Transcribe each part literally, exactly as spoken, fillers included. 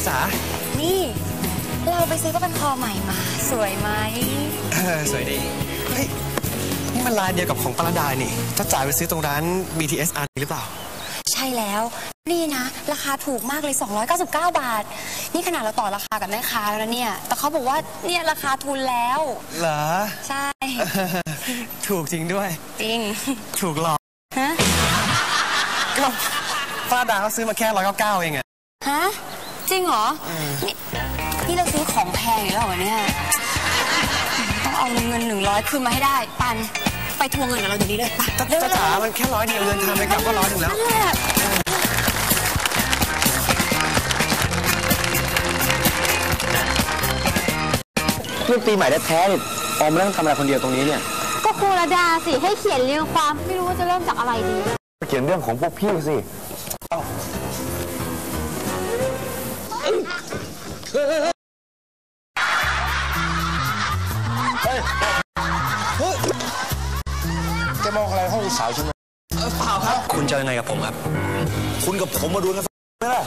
จ๋านี่เราไปซื้อผ้าพันคอใหม่มาสวยไหมเออสวยดีเฮ้ยนี่มันลายเดียวกับของปรดานี่จ้าจ๋าไปซื้อตรงร้าน บี ที เอส อาร์ หรือเปล่าใช่แล้วนี่นะราคาถูกมากเลยสองร้อยเก้าสิบเก้าบาทนี่ขนาดเราต่อราคากับแม่ค้าแล้วนะเนี่ยแต่เขาบอกว่าเนี่ยราคาทุนแล้วเหรอใช่ถูกจริงด้วยจริงถูกหรอฮะก็ปรดาเขาซื้อมาแค่ร้อยเก้าเก้าเองอะฮะจริงเหรอนี่นี่เราซื้อของแพงแล้วเหรอเนี่ยต้องเอาเงินหนึ่งร้อยคืนมาให้ได้ปันไปทวงเงินกับเราเดี๋ยวนี้เลยจ้าจ๋ามันแค่ร้อยเดียวเดินทางไปกลับก็ร้อยหนึ่งแล้วเรื่องปีใหม่แท้ๆนี่ออมไม่ต้องทำอะไรคนเดียวตรงนี้เนี่ยก็ครูระดาสิให้เขียนเรียงความไม่รู้ว่าจะเริ่มจากอะไรดีเขียนเรื่องของพวกพี่สิจะมองอะไรห้องสาวใช่ไหมเปล่าครับคุณจะยังไงกับผมครับคุณกับผมมาดูกันไหมล่ะ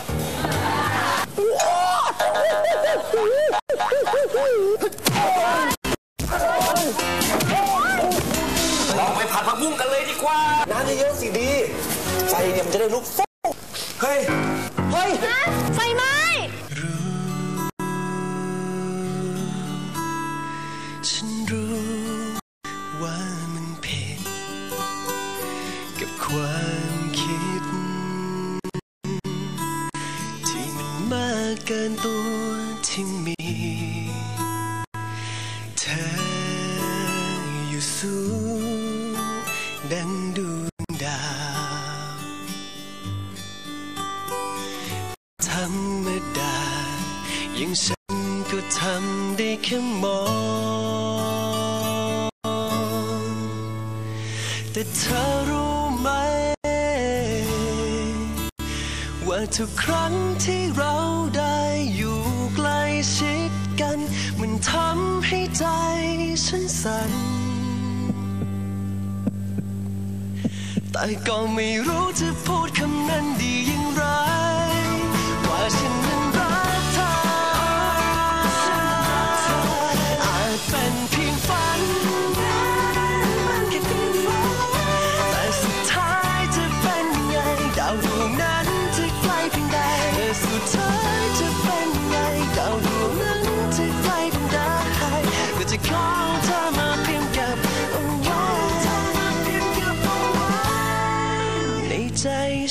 เราไปผัดผักบุ้งกันเลยดีกว่าน้ำเยอะๆสิดีไฟเนี่ยมันจะได้ลุกฟูเฮ้ยเฮ้ยไฟไหม้ฉันรู้ว่ามันผิดกับความคิดที่มันมากเกินตัวที่มีเธออยู่สูงดังดวงดาวธรรมดาอย่างฉันก็ทำได้แค่มองแต่เธอรู้ไหมว่าทุกครั้งที่เราได้อยู่ใกล้ชิดกันมันทำให้ใจฉันสั่นแต่ก็ไม่รู้จะพูดคำนั้นดีอย่างไรว่าฉันนั้นรักเธออาจเป็นเพียงฝันแต่สุดท้ายจะเป็นไงดาวดวงนั้นจะไกลเพียงใดแต่สุดท้ายจะเป็นไงดาวดวงนั้นจะไกลเพียงใดก็จะขอเธอมาเพียงกับเอาไว้ในใจ